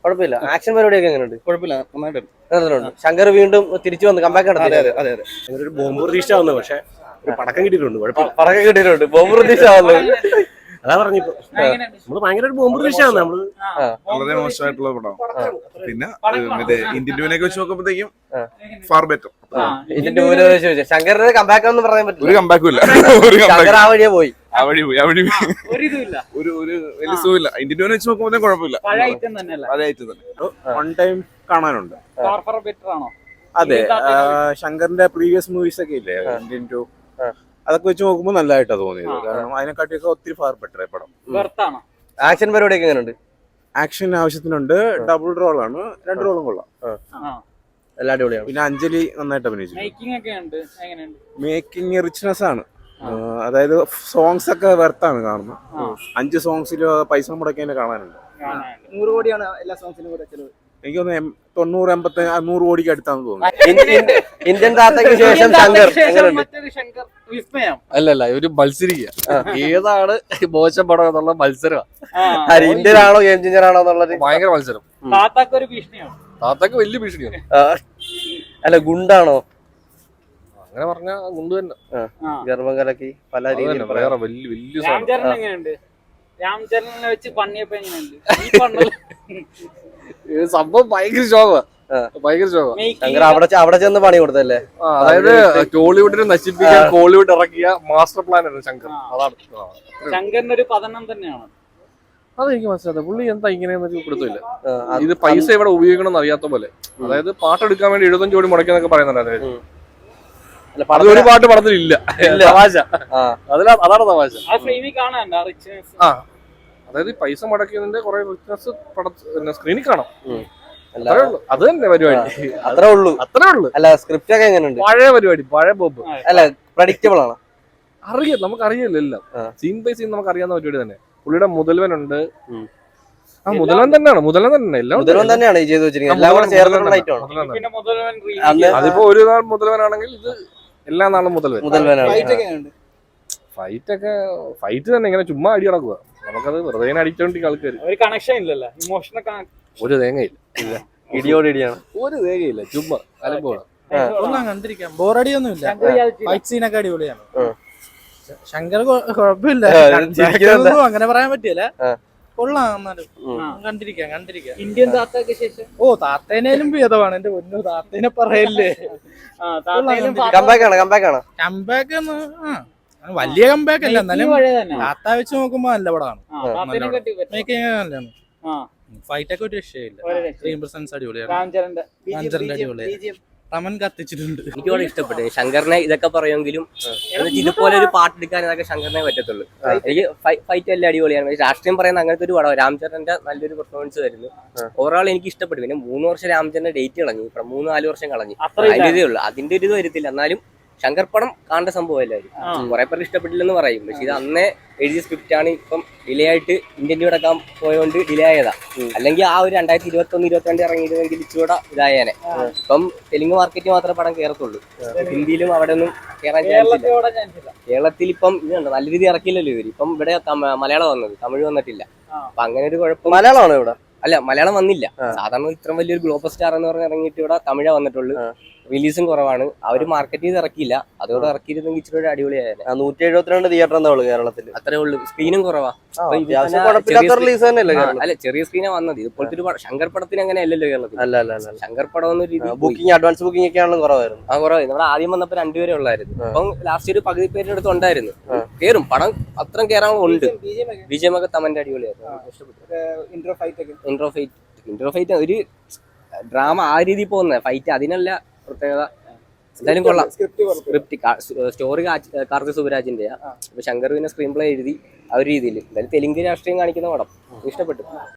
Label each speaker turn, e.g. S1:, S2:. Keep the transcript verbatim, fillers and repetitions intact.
S1: കുഴപ്പമില്ല. ആക്ഷൻ പരിപാടിയൊക്കെ എങ്ങനെയുണ്ട്?
S2: കുഴപ്പമില്ല, നന്നായിട്ടുണ്ട്.
S1: ശങ്കർ വീണ്ടും തിരിച്ചു വന്ന് കമ്പാക്ക് നടത്തി.
S2: അതെ അതെ അതെ ഒരു ബോംബ് പ്രതീക്ഷ വന്നു, പക്ഷെ ഒരു പടക്കം കിട്ടിയിട്ടുണ്ട്. കുഴപ്പമില്ല,
S1: പടക്കം കിട്ടിയിട്ടുണ്ട്. ബോംബ് പ്രതീക്ഷ വന്നു.
S2: അതാ പറഞ്ഞിപ്പോ നമ്മള് ഭയങ്കര ഒരു ബോംബ് പ്രതീക്ഷയാണ് നമ്മള്.
S3: വളരെ മോശമായിട്ടുള്ള പടം. പിന്നെ മറ്റേ ഇന്ത്യൻ ടൂവിനൊക്കെ വെച്ച് നോക്കുമ്പോഴത്തേക്കും ഫാർ ബെറ്റർ.
S1: ശങ്കറിന് കമ്പാക്ക് ഒന്നും പറയാൻ പറ്റില്ല.
S3: ഒരു കമ്പാക്കും ഇല്ല.
S1: ശങ്കർ ആ വഴിയെ പോയി.
S3: ആ വഴി പോയി. ആ വഴി ഒരു ഒരു വലിയ സുഖമില്ല. ഇന്ത്യൻ ടൂവിനെ വെച്ച് നോക്കുമ്പോൾ കുഴപ്പമില്ല. അതേ ഐറ്റം തന്നെ.
S4: വൺ ടൈം കാണാനുണ്ട്.
S5: അതെ, ശങ്കറിന്റെ പ്രീവിയസ് മൂവീസ് ഒക്കെ ഇല്ലേ, ഇന്ത്യൻ ടു, അതൊക്കെ വെച്ച് നോക്കുമ്പോൾ നല്ലതായിട്ടാ തോന്നിയത്. കാരണം അതിനെക്കാട്ടിയൊക്കെ ഒത്തിരി ഫാർ ബെറ്റർ പടം.
S1: ആക്ഷൻ പരിപാടിയൊക്കെ എങ്ങനെയുണ്ട്?
S5: ആക്ഷൻ ആവശ്യത്തിനുണ്ട്. ഡബിൾ റോൾ ആണ്, രണ്ട് റോളും കൊള്ളാം.
S1: എല്ലാ അടിപൊളിയാണ്.
S5: പിന്നെ അഞ്ജലി നന്നായിട്ട് അഭിനയിച്ചു. മേക്കിംഗ് റിച്ച്നെസ് ആണ്. അതായത് സോങ്സ് ഒക്കെ വെർത്താണ് കാണുന്നത്. അഞ്ച് സോങ്സിൽ പൈസ മുടക്കി തന്നെ കാണാനുണ്ട്.
S2: നൂറ് കോടിയാണ് എല്ലാ സോങ്സിനും കൂടെ ചെലവ്.
S5: എനിക്ക് തോന്നുന്നു തൊണ്ണൂറ് എൺപത്തി നൂറ് കോടിക്ക് അടുത്താന്ന് തോന്നുന്നു.
S1: ഇന്ത്യൻ താത്തയ്ക്ക് ശേഷം ശങ്കർ
S6: അല്ലല്ല, ഒരു മത്സരിക്കുക ഏതാണ് മോശം പടം എന്നുള്ള മത്സരമാണ്.
S1: ഇന്ത്യൻ ആണോ ഗെയിം ചേഞ്ചർ ആണോ എന്നുള്ളത്
S6: ഭയങ്കര മത്സരം. താത്തക്ക് വലിയ ഭീഷണിയാണ്.
S1: അല്ല, ഗുണ്ടാണോ?
S6: അങ്ങനെ പറഞ്ഞ ഗുണ്ട് തന്നെ.
S1: ഗർഭം കലക്കി പല രീതിയിൽ
S6: വേറെ വലിയ വലിയ സംഭവം ഭയങ്കര ശോകമാണ്. ഭയങ്കര ശോകം.
S1: ശങ്കർ അവിടെ അവിടെ ചെന്ന് പണി കൊടുത്തല്ലേ.
S6: അതായത് ടോളിവുഡിനെ നശിപ്പിക്കാൻ കോളിവുഡ് ഇറക്കിയ മാസ്റ്റർ പ്ലാൻ ആണ് ശങ്കർ. അതാണ്
S7: ശങ്കറിന്റെ ഒരു പതനം തന്നെയാണ്.
S6: അതെനിക്ക് മനസ്സിലായത്. പുള്ളി എന്താ ഇങ്ങനെയെന്നൊക്കെ കൊടുത്തില്ല. ഇത് പൈസ ഇവിടെ ഉപയോഗിക്കണം എന്ന് അറിയാത്ത പോലെ. അതായത് പാട്ടെടുക്കാൻ വേണ്ടി എഴുപത്തഞ്ച് കോടി മുടക്കിയെന്നൊക്കെ പറയുന്നുണ്ടായിരുന്നു. ഒരു പാട്ട് പടത്തിലില്ല. തമാശ. അതിലാ അതാണ് തമാശ. ആ, അതായത് പൈസ മുടക്കിയതിന്റെ കുറെ റിച്ച്നെസ് പട സ്ക്രീനിൽ കാണാം. അത് തന്നെ പരിപാടി.
S1: അത്രേ ഉള്ളൂ.
S6: അത്രേ ഉള്ളൂ.
S1: അല്ല, സ്ക്രിപ്റ്റ് ഒക്കെ എങ്ങനെയുണ്ട്?
S6: പഴയ പരിപാടി, പഴയ ബോബ്.
S1: അല്ല, പ്രഡിക്റ്റബിൾ ആണ്.
S6: അറിയാം, നമുക്ക് അറിയില്ല എല്ലാം. സീൻ ബൈ സീൻ നമുക്ക് അറിയാവുന്ന പരിപാടി തന്നെ. പുള്ളിയുടെ മുതൽവനുണ്ട്. ആ, മുതലവൻ തന്നെയാണ്. മുതലവൻ തന്നെ എല്ലാം
S1: മുതലവൻ തന്നെയാണ് ഈ ചെയ്ത് വെച്ചിരിക്കുന്നത്.
S6: അതിപ്പോ ഒരു നാൾ മുതലവനാണെങ്കിൽ ഇത് എല്ലാ നാളും മുതൽവൻ.
S1: മുതൽവനാണ്.
S6: ഫൈറ്റ് ഒക്കെ ഫൈറ്റ് തന്നെ ഇങ്ങനെ ചുമ്മാ അടി നടക്കുക. നമുക്കത് വെറുതെ അടിച്ചോണ്ടിരിക്കും ആൾക്കാർ.
S7: ഒരു കണക്ഷൻ ഇല്ലല്ലോ, ഇമോഷണൽ
S6: ഒരു തേങ്ങയില്ല.
S1: ഇടിയോട് ഇടിയാണ്.
S6: ഒരു തേങ്ങയില്ല, ചുമ്മാ അലമ്പോണം.
S4: ഒന്നും കണ്ടിരിക്കാം, ബോറടിയൊന്നും ഇല്ല. ഫൈറ്റ് സീനൊക്കെ അടിപൊളിയാണ്. ശങ്കർ കുഴപ്പമില്ല, അങ്ങനെ പറയാൻ പറ്റില്ല. കൊള്ളാം, എന്നാലും കണ്ടിരിക്കാം കണ്ടിരിക്കാം
S7: ഇന്ത്യൻ താത്തക്ക് ശേഷം.
S4: ഓ, താത്തേനേലും ഭേദമാണ്. എന്റെ പൊന്നു, താത്തേനെ പറയല്ലേ.
S1: കമ്പാക്കാണ് കമ്പാക്കാണ്
S4: കമ്പാക്ക് വലിയ കമ്പാക്ക് അല്ല, എന്നാലും താത്ത വെച്ച് നോക്കുമ്പോ നല്ല പടമാണ്. മേക്കിംഗ് നല്ലതാണ്. ഫൈറ്റ് ഒക്കെ ഒരു രക്ഷയില്ല. സ്ക്രീൻ പ്രസൻസ് അടിപൊളിയാണ്. രാംചരന്റെ അടിപൊളിയാണ്. റമൻ കത്തിച്ചിട്ടുണ്ട്.
S8: എനിക്ക് വളരെ ഇഷ്ടപ്പെട്ടു. ശങ്കറിനെ ഇതൊക്കെ പറയുമെങ്കിലും ഇതുപോലെ ഒരു പാട്ടെടുക്കാൻ ഇതൊക്കെ ശങ്കറിനെ പറ്റത്തുള്ളൂ. എനിക്ക് ഫൈറ്റ് എല്ലാം അടിപൊളിയാണ്. രാഷ്ട്രീയം പറയുന്ന അങ്ങനത്തെ ഒരു പടം. രാംചരന്റെ നല്ലൊരു പെർഫോമൻസ് വരുന്നു. ഓവറോൾ എനിക്ക് ഇഷ്ടപ്പെട്ടു. പിന്നെ മൂന്ന് വർഷം രാംചരന്റെ ഡേറ്റ് കളഞ്ഞു, ഇപ്പൊ മൂന്ന് നാല് വർഷം കളഞ്ഞു. അതിന്റെ ഇതേ ഉള്ളൂ. അതിന്റെ ഒരു ഇത് വരത്തില്ല. എന്നാലും ശങ്കർ പടം കാണേണ്ട സംഭവം എല്ലാവരും. കുറെ പേർക്ക് ഇഷ്ടപ്പെട്ടില്ലെന്ന് പറയും. പക്ഷെ ഇത് അന്നേ എഴുതിയ സ്ക്രിപ്റ്റ് ആണ്. ഇപ്പം ഡിലേ ആയിട്ട് ഇന്ത്യൻ ടൂ അടക്കാൻ പോയതുകൊണ്ട് ഡിലേ ആയതാ. അല്ലെങ്കിൽ ആ ഒരു രണ്ടായിരത്തി ഇരുപത്തി ഒന്ന് ഇരുപത്തി രണ്ട് ഇറങ്ങിയിരുന്നെങ്കിൽ ഇച്ചിരൂടെ ഇതായേനെ. ഇപ്പം തെലുങ്ക് മാർക്കറ്റ് മാത്രമേ പടം കയറത്തുള്ളൂ. ഹിന്ദിയിലും അവിടെ ഒന്നും കയറാൻ ചാൻസ് ഇല്ല. കേരളത്തിൽ ഇപ്പം ഇതുണ്ട്, നല്ല രീതി ഇറക്കില്ലല്ലോ ഇവര്. ഇപ്പം ഇവിടെ മലയാളം വന്നത്, തമിഴ് വന്നിട്ടില്ല. അപ്പൊ അങ്ങനെ ഒരു കുഴപ്പം.
S1: മലയാളമാണോ ഇവിടെ?
S8: അല്ല, മലയാളം വന്നില്ല. സാധാരണ ഇത്രയും വലിയൊരു ഗ്ലോബൽ സ്റ്റാർ എന്ന് പറഞ്ഞ് ഇറങ്ങിയിട്ട് ഇവിടെ തമിഴ വന്നിട്ടുള്ളൂ. റിലീസും കുറവാണ്. അവര് മാർക്കറ്റ് ചെയ്ത് ഇറക്കിയില്ല. അതോടെ ഇറക്കിയിരുന്നെങ്കിൽ ഇച്ചിരി അടിപൊളിയായിരുന്നു.
S1: നൂറ്റി എഴുപത്തിരണ്ട് തിയേറ്റർ എന്താ ഉള്ളു കേരളത്തിൽ.
S8: അത്രേ ഉള്ളൂ. സ്ക്രീനും കുറവാ. അല്ല, ചെറിയ സ്ക്രീനാ വന്നത്. ഇപ്പോഴത്തെ ഒരു ശങ്കർ പടത്തിന് അങ്ങനെ അല്ലല്ലോ കേരളത്തിൽ.
S1: അല്ല അല്ല
S8: ശങ്കർ പടം എന്ന രീതി
S1: ബുക്കിംഗ്, അഡ്വാൻസ് ബുക്കിംഗ് ഒക്കെ ആണെങ്കിലും കുറവായിരുന്നു.
S8: ആ, കുറവായിരുന്നു. നമ്മുടെ ആദ്യം വന്നപ്പോ രണ്ടുപേരെ ഉള്ളായിരുന്നു. അപ്പം ലാസ്റ്റ് ഒരു പകുതി പേരുടെ അടുത്ത് ഉണ്ടായിരുന്നു. കേറും പടം അത്രയും കേറാൻ ഉണ്ട്. ബിജെഎം ഒക്കെ തമന്റെ അടിപൊളിയായിരുന്നു.
S2: Intro fight
S8: intro fight intro fight ഒരു ഡ്രാമ ആ രീതിയിൽ പോകുന്ന ഫൈറ്റ്. അതിനല്ല പ്രത്യേകത. എന്തായാലും കൊള്ളാം. സ്ക്രിപ്റ്റ് സ്റ്റോറി കാർത്തി സുബരാജിന്റെ. അപ്പൊ ശങ്കർ പിന്നെ സ്ക്രീൻ പ്ലേ എഴുതി ആ ഒരു രീതിയിൽ. എന്തായാലും തെലുങ്ക് രാഷ്ട്രീയം കാണിക്കുന്ന പടം ഇഷ്ടപ്പെട്ടു.